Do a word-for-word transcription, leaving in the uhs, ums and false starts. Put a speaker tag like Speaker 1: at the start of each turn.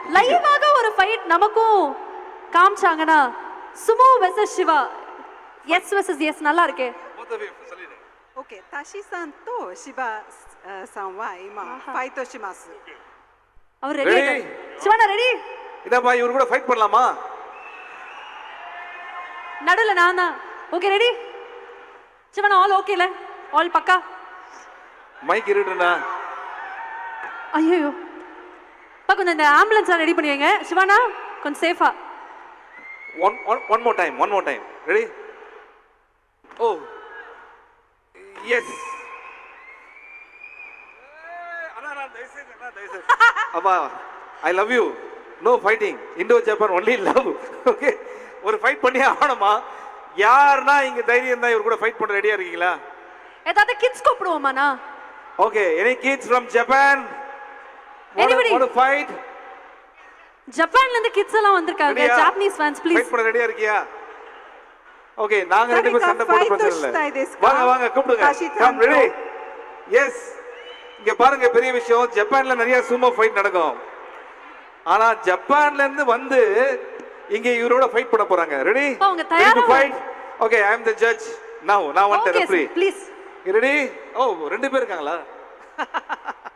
Speaker 1: லைவாக ஒரு ஃபைட் நமக்கும் காமிச்சாங்கன்னா sumo versus Shiva S versus S நல்லா இருக்கே
Speaker 2: Okay, Tashi-san to Shiba-san wa ima fight shimasu.
Speaker 1: அவர் ரெடி சிவானா ரெடி
Speaker 3: இதப்பா இவரு கூட ஃபைட் பண்ணலாமா
Speaker 1: நடுல நான் தான் ஓகே ரெடி சிவானா ஆல் ஓகேல ஆல் பக்கா
Speaker 3: மைக் இருடா
Speaker 1: ஐயோ பா கொஞ்சம் இந்த ஆம்புலன்ஸ் ரெடி பண்ணிடுங்க சிவானா கொஞ்சம் சேஃபா
Speaker 3: one one more time one more time ready oh yes அண்ணா நான் தயவுசெய்து அண்ணா தயவுசெய்து அப்பா I love you no fighting Indo Japan only love okay ஒரு ஃபைட் பண்ணி ஆகணுமா யாருன்னா இங்க தைரியம் தான் இவர் கூட ஃபைட் பண்ண ரெடியா இருக்கீங்களா
Speaker 1: ஏதாவது கிட்ஸ் கூப்பிடுவோமாண்ணா
Speaker 3: okay any kids from Japan
Speaker 1: Anybody?
Speaker 3: want to fight
Speaker 1: ஜப்பான்ல இருந்து கிட்ஸ் எல்லாம் வந்திருக்காங்க
Speaker 3: Ready-யா?
Speaker 1: ஜாப்பனீஸ் ஃபேன்ஸ் ப்ளீஸ்
Speaker 3: ஃபைட் பண்ண ரெடியா இருக்கியா ஓகே நாங்க ரெண்டு பேரும் சண்டை போட பிரச்சனை இல்ல வாங்க வாங்க கூப்பிடுங்க கம் ரெடி எஸ் இங்க பாருங்க பெரிய விஷயம் ஜப்பான்ல நிறைய சூமோ ஃபைட் நடக்கும் ஆனா ஜப்பான்ல இருந்து வந்து இங்க இவரோட ஃபைட் பண்ண போறாங்க ரெடி
Speaker 1: அவங்க தயாரா
Speaker 3: fight okay I am the judge now நான் want the referee
Speaker 1: please
Speaker 3: ready oh ரெண்டு பேர் இருக்காங்களா